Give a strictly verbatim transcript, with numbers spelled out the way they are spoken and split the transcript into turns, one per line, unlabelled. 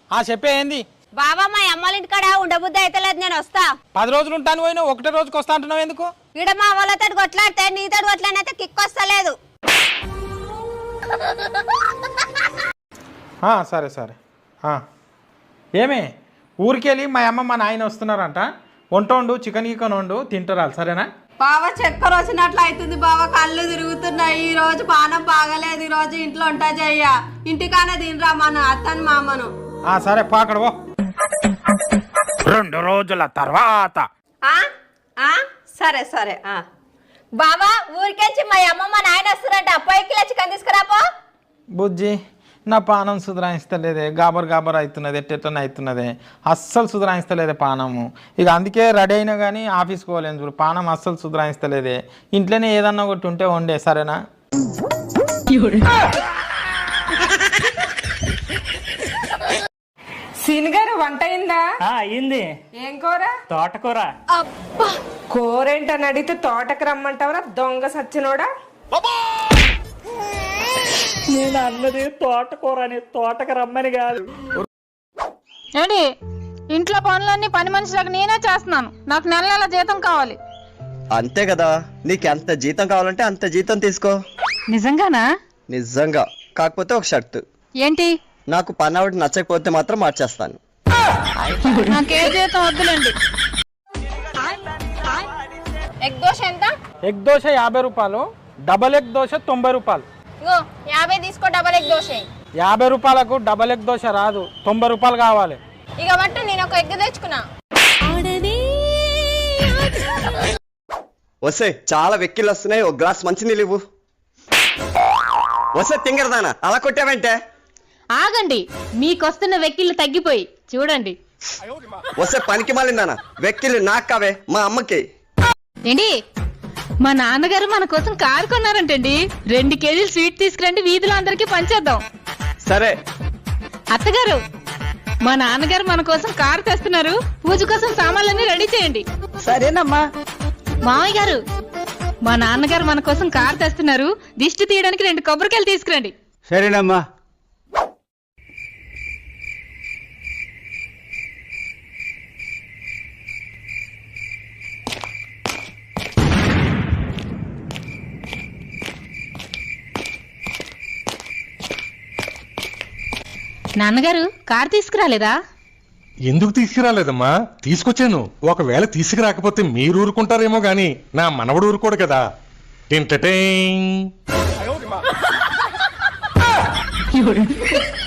ఆ చెప్పే ఏంది
బావా మా అమ్మాళ్ళ ఇంటికాడ ఉండబుద్ధి అయితే లేదు, నేను వస్తా.
పది రోజులు ఉంటాను పోయినా ఒకటే రోజుకి వస్తా అంటున్నావు ఎందుకు?
ఈడ మా వాళ్ళతో కొట్లాడితే నీతో కొట్లాడినైతే కిక్ వస్తలేదు.
సరే సరే ఏమే ఊరికెళ్ళి మా అమ్మ మా నాయన వస్తున్నారంట, వంట వండు, చికెన్ గికెన్ వండు, తింటారు సరేనా?
బావ చక్కెర వచ్చినట్లు అవుతుంది బావ, కళ్ళు తిరుగుతున్నాయి. ఈ రోజు పానం బాగలేదు, ఈ రోజు ఇంట్లో ఉంటా చెయ్య. ఇంటికానే తినరా మన అత్తని మామను.
సరే పాకడవో. రెండు రోజుల తర్వాత
సరే సరే.
బావా ఊరికేంచి మా అమ్మ మా నాయన వస్తారంట, అబ్బాయి కిలో చికెన్ తీసుకురాపో.
బుజ్జి నా పానం సుధరాయిస్తలేదే, గాబర్ గాబర్ అవుతున్నది, ఎట్టెట్టని అవుతున్నది, అస్సలు సుధరాయిస్తలేదే పానము. ఇక అందుకే రెడీ అయినా కానీ ఆఫీస్కి పోలేను చూడు, పానం అస్సలు సుధరాయిస్తలేదే. ఇంట్లోనే ఏదన్నా ఒకటి ఉంటే వండే సరేనా?
సీనిగారు వంట అయిందా?
అయింది.
ఏం కూర?
తోటకూర.
కూర ఏంటని అడిగితే తోటకు రమ్మంటావరా దొంగ సచ్చినోడా?
నేను అన్నది తోటకూర అని, తోటకు రమ్మని కాదు.
ఏంటి ఇంట్లో పనులన్నీ పని మనిషిలకు నేనే చేస్తున్నాను, నాకు నెల నెల జీతం కావాలి.
అంతే కదా, నీకు ఎంత జీతం కావాలంటే అంత జీతం తీసుకో.
నిజంగానా?
నిజంగా. కాకపోతే ఒక షర్తు.
ఏంటి?
నాకు పని ఆవిడ నచ్చకపోతే మాత్రం మార్చేస్తాను.
నాకే జీతం వద్దులేండి.
ఎగ్ దోశ ఎంత?
ఎగ్ దోశ యాభై రూపాయలు, డబల్ ఎగ్ దోశ తొంభై రూపాయలు.
యాభై తీసుకో, డబల్ ఎగ్ దోశ.
యాభై రూపాయలకు డబల్ ఎగ్ దోశ రాదు, తొంభై రూపాయలు కావాలి.
ఇక బట్టు నేను ఒక ఎగ్ తెచ్చుకున్నా.
వస్తే చాలా వెక్కిళ్ళు వస్తున్నాయి, ఒక గ్లాస్ మంచినీళ్ళు ఇవ్వు. వస్తే తింగరదానా అలా కొట్టావంటే?
ఆగండి, మీకొస్తున్న వెక్కిళ్ళు తగ్గిపోయి చూడండి.
వస్తే పనికి మాలిందానా, వెక్కిళ్ళు నాకు కావే, మా అమ్మకి.
ఏంటి మా నాన్నగారు మన కోసం కారు కొన్నారంటండి, రెండు కేజీలు స్వీట్ తీసుకురండి, వీధిలో అందరికి పంచేద్దాం.
సరే.
అత్తగారు మా నాన్నగారు మన కోసం కారు తెస్తున్నారు, పూజ కోసం సామాన్లన్నీ రెడీ చేయండి.
సరేనమ్మా.
మామయ్య గారు మా నాన్నగారు మన కోసం కారు తెస్తున్నారు, దిష్టి తీయడానికి రెండు కొబ్బరికాయలు తీసుకురండి.
సరేనమ్మా.
నాన్నగారు కారు తీసుకురాలేదా?
ఎందుకు తీసుకురాలేదమ్మా, తీసుకొచ్చాను. ఒకవేళ తీసుకురాకపోతే మీరు ఊరుకుంటారేమో గాని నా మనవడు ఊరుకోడు కదా. టింటటింగ్.